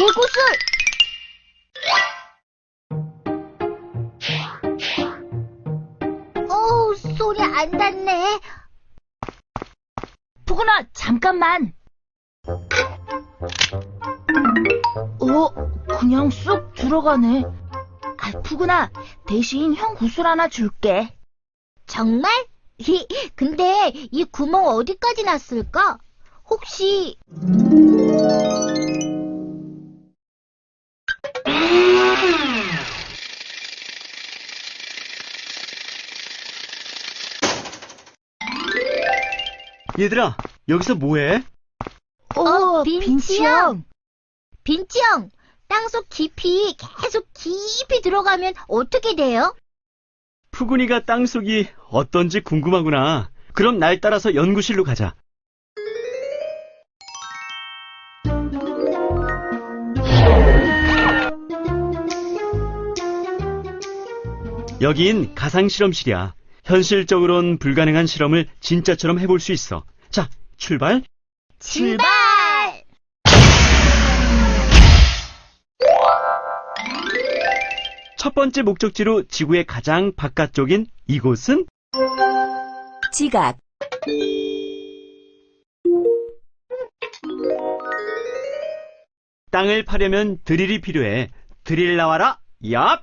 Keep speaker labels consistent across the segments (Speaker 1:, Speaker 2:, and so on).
Speaker 1: 개구슬! 소리 안 닿네.
Speaker 2: 푸근아, 잠깐만. 그냥 쑥 들어가네. 푸근아, 대신 형 구슬 하나 줄게.
Speaker 1: 정말? 근데 이 구멍 어디까지 났을까? 혹시...
Speaker 3: 얘들아, 여기서 뭐해?
Speaker 1: 빈치 형. 빈치 형, 땅속 깊이 계속 깊이 들어가면 어떻게 돼요?
Speaker 3: 푸근이가 땅속이 어떤지 궁금하구나. 그럼 날 따라서 연구실로 가자. 여긴 가상실험실이야. 현실적으론 불가능한 실험을 진짜처럼 해볼 수 있어. 자, 출발!
Speaker 1: 출발!
Speaker 3: 첫 번째 목적지로 지구의 가장 바깥쪽인 이곳은
Speaker 2: 지각.
Speaker 3: 땅을 파려면 드릴이 필요해. 드릴 나와라! 얍!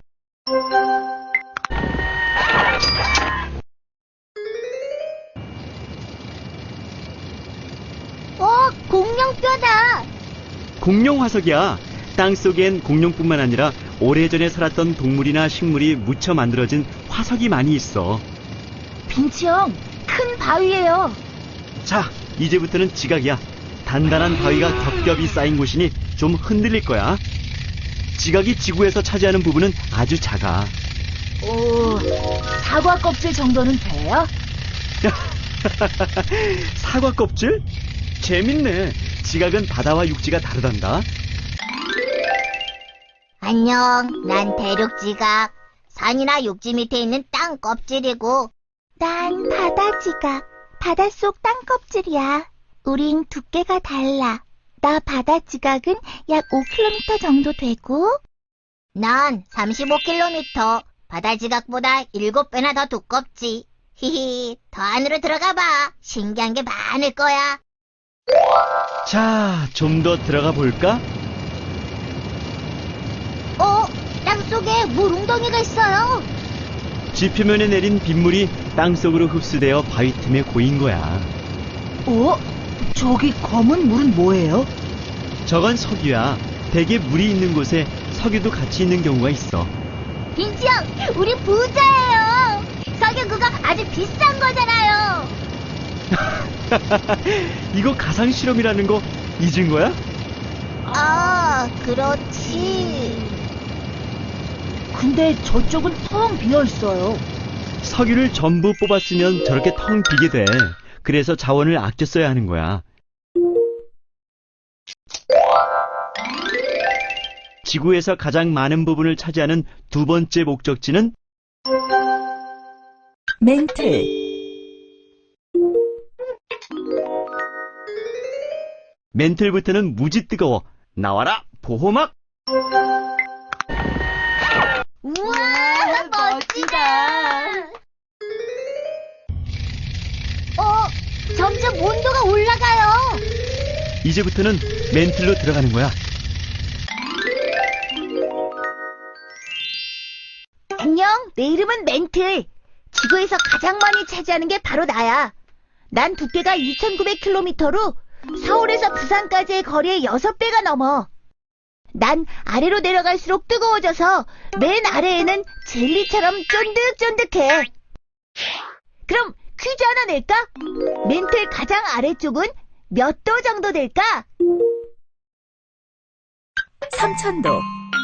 Speaker 1: 공룡뼈다!
Speaker 3: 공룡 화석이야. 땅속엔 공룡뿐만 아니라 오래전에 살았던 동물이나 식물이 묻혀 만들어진 화석이 많이 있어.
Speaker 2: 빈치 형, 큰 바위예요.
Speaker 3: 자, 이제부터는 지각이야. 단단한 바위가 겹겹이 쌓인 곳이니 좀 흔들릴 거야. 지각이 지구에서 차지하는 부분은 아주 작아.
Speaker 2: 사과 껍질 정도는 돼요?
Speaker 3: 사과 껍질? 재밌네. 지각은 바다와 육지가 다르단다.
Speaker 1: 안녕, 난 대륙지각. 산이나 육지 밑에 있는 땅 껍질이고. 난 바다지각. 바닷속 땅 껍질이야. 우린 두께가 달라. 나 바다지각은 약 5km 정도 되고. 난 35km. 바다지각보다 7배나 더 두껍지. 히히, 더 안으로 들어가봐. 신기한 게 많을 거야.
Speaker 3: 자, 좀 더 들어가 볼까?
Speaker 1: 땅속에 물 웅덩이가 있어요.
Speaker 3: 지표면에 내린 빗물이 땅속으로 흡수되어 바위 틈에 고인 거야.
Speaker 2: 저기 검은 물은 뭐예요?
Speaker 3: 저건 석유야. 대개 물이 있는 곳에 석유도 같이 있는 경우가 있어.
Speaker 1: 빈치 형, 우리 부자예요. 석유 그거 아주 비싼 거잖아요.
Speaker 3: 이거 가상 실험이라는 거 잊은 거야?
Speaker 1: 그렇지.
Speaker 2: 근데 저쪽은 텅 비어 있어요.
Speaker 3: 석유를 전부 뽑았으면 저렇게 텅 비게 돼. 그래서 자원을 아껴 써야 하는 거야. 지구에서 가장 많은 부분을 차지하는 두 번째 목적지는
Speaker 2: 멘틀.
Speaker 3: 멘틀부터는 무지 뜨거워. 나와라, 보호막!
Speaker 1: 우와, 멋지다. 점점 온도가 올라가요.
Speaker 3: 이제부터는 멘틀로 들어가는 거야.
Speaker 2: 안녕, 내 이름은 멘틀. 지구에서 가장 많이 차지하는 게 바로 나야. 난 두께가 2,900km로 서울에서 부산까지의 거리의 6배가 넘어. 난 아래로 내려갈수록 뜨거워져서 맨 아래에는 젤리처럼 쫀득쫀득해. 그럼 퀴즈 하나 낼까? 멘틀 가장 아래쪽은 몇 도 정도 될까? 3,000도.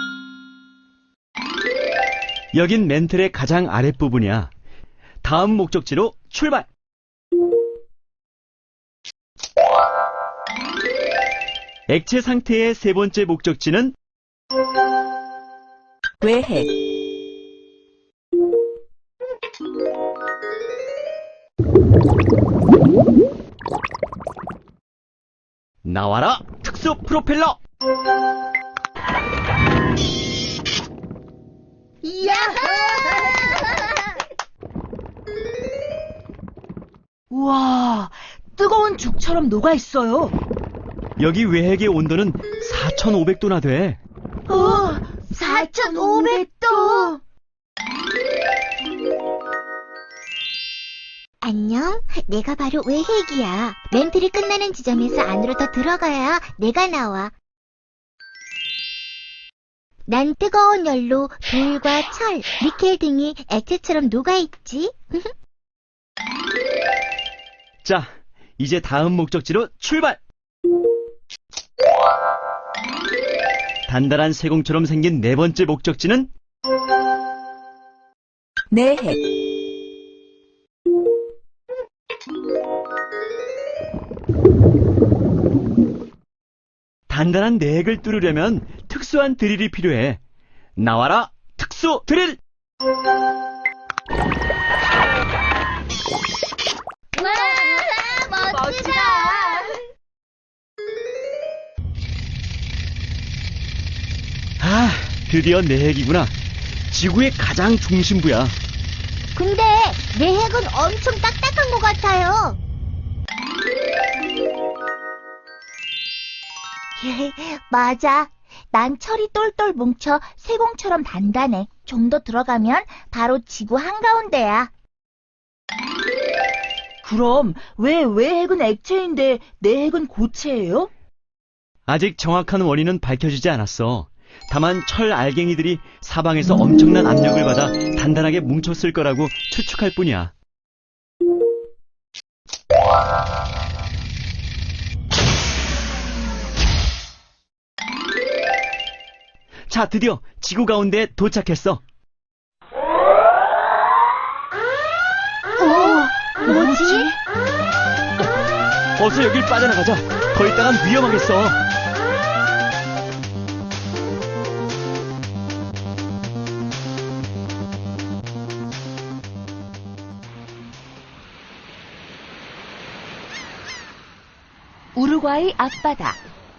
Speaker 3: 여긴 멘틀의 가장 아랫부분이야. 다음 목적지로 출발! 액체 상태의 세 번째 목적지는
Speaker 2: 외핵.
Speaker 3: 나와라, 특수 프로펠러!
Speaker 2: 이야! 우와, 뜨거운 죽처럼 녹아있어요.
Speaker 3: 여기 외핵의 온도는 4,500도나 돼.
Speaker 2: 4,500도!
Speaker 1: 안녕, 내가 바로 외핵이야. 멘틀이 끝나는 지점에서 안으로 더 들어가야 내가 나와. 난 뜨거운 열로 돌과 철, 니켈 등이 액체처럼 녹아있지.
Speaker 3: 자, 이제 다음 목적지로 출발! 단단한 세공처럼 생긴 네 번째 목적지는
Speaker 2: 내핵.
Speaker 3: 단단한 내핵을 뚫으려면 특수한 드릴이 필요해. 나와라, 특수 드릴!
Speaker 1: 와, 멋지다.
Speaker 3: 아, 드디어 내핵이구나. 지구의 가장 중심부야.
Speaker 1: 근데 내핵은 엄청 딱딱한 것 같아요. 맞아. 난 철이 똘똘 뭉쳐 세공처럼 단단해. 좀 더 들어가면 바로 지구 한가운데야.
Speaker 2: 그럼 왜 외핵은 액체인데 내핵은 고체예요?
Speaker 3: 아직 정확한 원인은 밝혀지지 않았어. 다만 철 알갱이들이 사방에서 엄청난 압력을 받아 단단하게 뭉쳤을 거라고 추측할 뿐이야. 자, 드디어 지구 가운데에 도착했어.
Speaker 1: 뭐지?
Speaker 3: 어서 여길 빠져나가자. 더 있다간 위험하겠어.
Speaker 2: 우루과이 앞바다.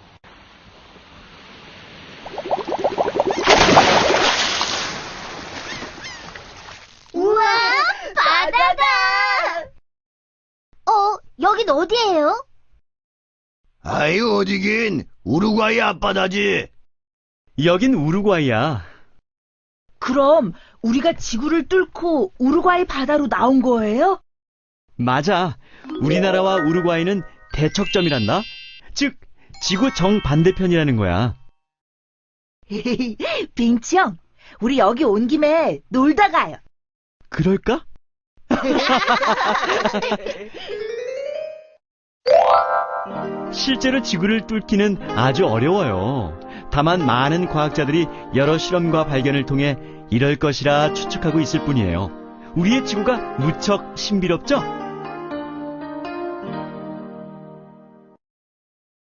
Speaker 1: 우와, 바다다! 여긴 어디예요?
Speaker 4: 아이, 어디긴 우루과이 앞바다지.
Speaker 3: 여긴 우루과이야.
Speaker 2: 그럼 우리가 지구를 뚫고 우루과이 바다로 나온 거예요?
Speaker 3: 맞아. 우리나라와 우루과이는 대척점이란다. 즉, 지구 정반대편이라는 거야.
Speaker 2: 빙치 형, 우리 여기 온 김에 놀다 가요.
Speaker 3: 그럴까? 실제로 지구를 뚫기는 아주 어려워요. 다만 많은 과학자들이 여러 실험과 발견을 통해 이럴 것이라 추측하고 있을 뿐이에요. 우리의 지구가 무척 신비롭죠?